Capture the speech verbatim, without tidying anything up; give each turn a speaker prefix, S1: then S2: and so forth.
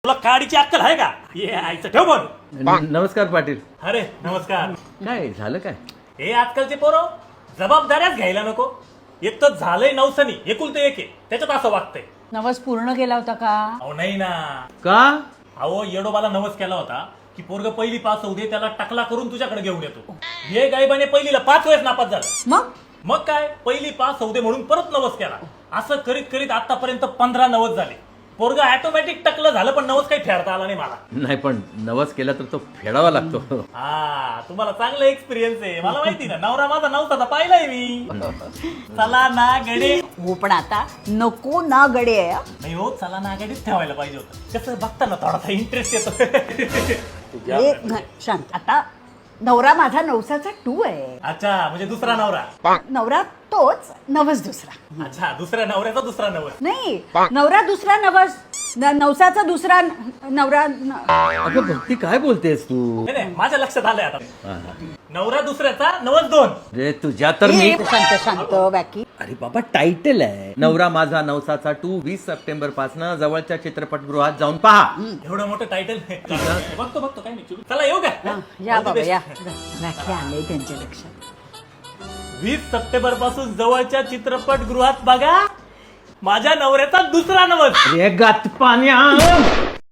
S1: तुला काडीची अक्कल आहे का? ये आईचं ठेव पण.
S2: नमस्कार पाटील.
S1: अरे नमस्कार.
S2: काय झालं काय?
S1: हे आजकालचे पोरं जबाबदाऱ्याच घ्यायला नको. एक तर झालंय नवसनी एकुलते एक आहे, त्याच्यात असं वागतंय.
S3: नवस पूर्ण केला होता का?
S1: अहो नाही ना.
S2: का?
S1: अहो येडोबाला नवस केला होता की पोरग पहिली पास होऊ दे, त्याला टकला करून तुझ्याकडे घेऊन येतो. हे गायबाने पहिलीला पाच वेळेस नापास झाला.
S3: मग
S1: मग काय पहिली पास होऊ दे म्हणून परत नवस केला. असं करीत करीत आतापर्यंत पंधरा नवस झाले. पोरग ऑटोमॅटिक टकलं झालं, पण नवस काही फेडता आला नाही मला.
S2: नाही पण नवस केला तर तो फेडावा लागतो.
S1: हा तुम्हाला चांगला एक्सपिरियन्स आहे, मला माहिती ना. नवरा माझा नवसाचा पाहिलाय मी. चला ना गडे.
S3: हो पण आता नको ना गडे.
S1: नाही हो, चला ना गडीच ठेवायला पाहिजे होतं. कसं बघताना थोडासा इंटरेस्ट येतो.
S3: हे न- शांत. आता नवरा माझा नवसाचा टू आहे.
S1: अच्छा, म्हणजे दुसरा नवरा.
S3: नवरा तोच, नवस दुसरा.
S1: अच्छा, दुसऱ्या नवऱ्याचा दुसरा नवस.
S3: नाही, नवरा दुसरा नवस, न- नवसाचा दुसरा न- नवरा न-
S2: अगं भक्ती काय बोलतेस तू?
S1: नाही नाही, माझ्या लक्षात आलंय आता. नवरा दुसऱ्याचा नवस दोन.
S2: रे तुझ्या तर मी.
S3: ए, शांत शांत बाकी.
S2: अरे बाबा टायटल आहे नवरा माझा नवसाचा टू. वीस सप्टेंबर पासन जवळच्या चित्रपटगृहात जाऊन पहा.
S1: एवढं मोठं टायटल. बघतो बघतो काय नाही. चला येऊ
S3: हा,
S1: का?
S3: या बाबा या. राखी आलंय त्यांच्या लक्षात.
S1: वीस सप्टेंबर पासून जवळच्या चित्रपटगृहात बघा माझ्या नवऱ्याचा दुसरा नवस.
S2: अरे गात पाण्या